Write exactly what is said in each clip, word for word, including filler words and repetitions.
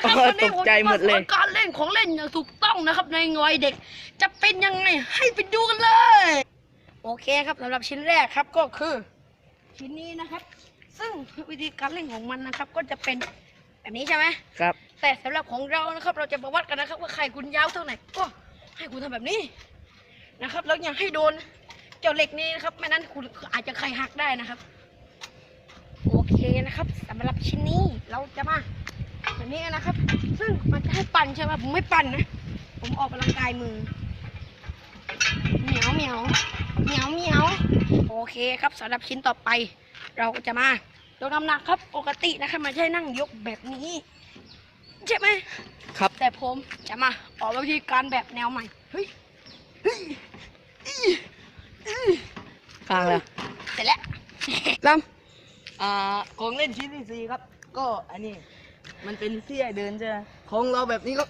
นะครับวันนี้ผมจะมาสอนการเล่นของเล่นอย่างถูกต้องนะครับในวัยเด็กจะเป็นยังไงให้ไปดูกันเลยโอเคครับสำหรับชิ้นแรกครับก็คือชิ้นนี้นะครับ ซึ่งวิธีการเล่นของมันนะครับ ก็จะเป็นแบบนี้ใช่ไหมครับแต่สำหรับของเรานะครับ เราจะมาวัดกันนะครับ ว่าไข่คุณยาวเท่าไหร่ก็ให้คุณทำแบบนี้นะครับแล้วอย่าให้โดนเจ้าเหล็กนี้นะครับไม่นั้นคุณอาจจะไข่หักได้นะครับโอเคนะครับสำหรับชิ้นนี้เราจะมาแบบนี้นะครับ ซึ่งมันจะให้ปั่นใช่ไหมผมไม่ปั่นนะผมออกกำลังกายมือเหมียวเหมียวเหมียวเหมียวโอเคครับสำหรับชิ้นต่อไป เราก็จะมายกน้ำหนักครับปกตินะครับมันใช่นั่งยกแบบนี้ใช่ไหมครับแต่ผมจะมาออกวิธีการแบบแนวใหม่เฮ้ยเฮ้ยอี้อี้ฟังแล้วเสร็จแล้วลำอ่าของเล่นชิ้นที่สี่ครับ ก็อันนี้มันเป็นที่ให้เดินใช่ไหมของเราแบบนี้ก็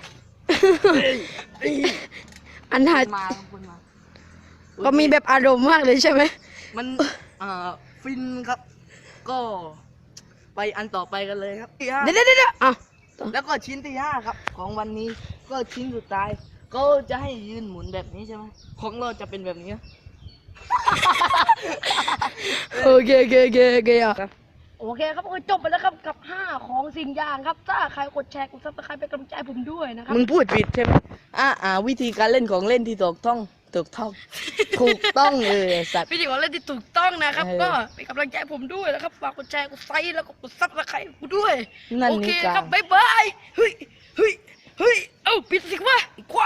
อันถัดมาครับคุณมาก็มีแบบอารมณ์มากเลยใช่ไหมมันอ่าฟินครับ ก็ไปอันต่อไปกันเลยครับที่ห้าเดี๋ยวเดี๋ยวเดี๋ยวอ่ะแล้วก็ชิ้นที่ห้าครับ ของวันนี้ก็ชิ้นสุดท้าย ก็จะให้ยืนหมุนแบบนี้ใช่ไหมของเราจะเป็นแบบนี้โอเคโอเคโอเคโอเคอ่ะครับโอเคครับก็จบไปแล้วครับกับห้าของสิ่งอย่างครับถ้าใครกดแชร์กดซับสไครป์เป็นกำลังใจให้ผมด้วยนะครับมึงพูดผิดใช่ไหมอ่าอ่าวิธีการเล่นของเล่นที่ถูกต้องถูกต้อง ถูกต้องเลยไอ้สัตว์วิธีของเล่นที่ถูกต้องนะครับเออก็เป็นกำลังใจให้ผมด้วยนะครับฝากกดแชร์กดไลค์แล้วก็กดซับสไครป์กูด้วยนั่นโอเคนี่กาครับบ๊ายบายเฮ้ยเฮ้ยเฮ้ยเอ้าปิดสิวะ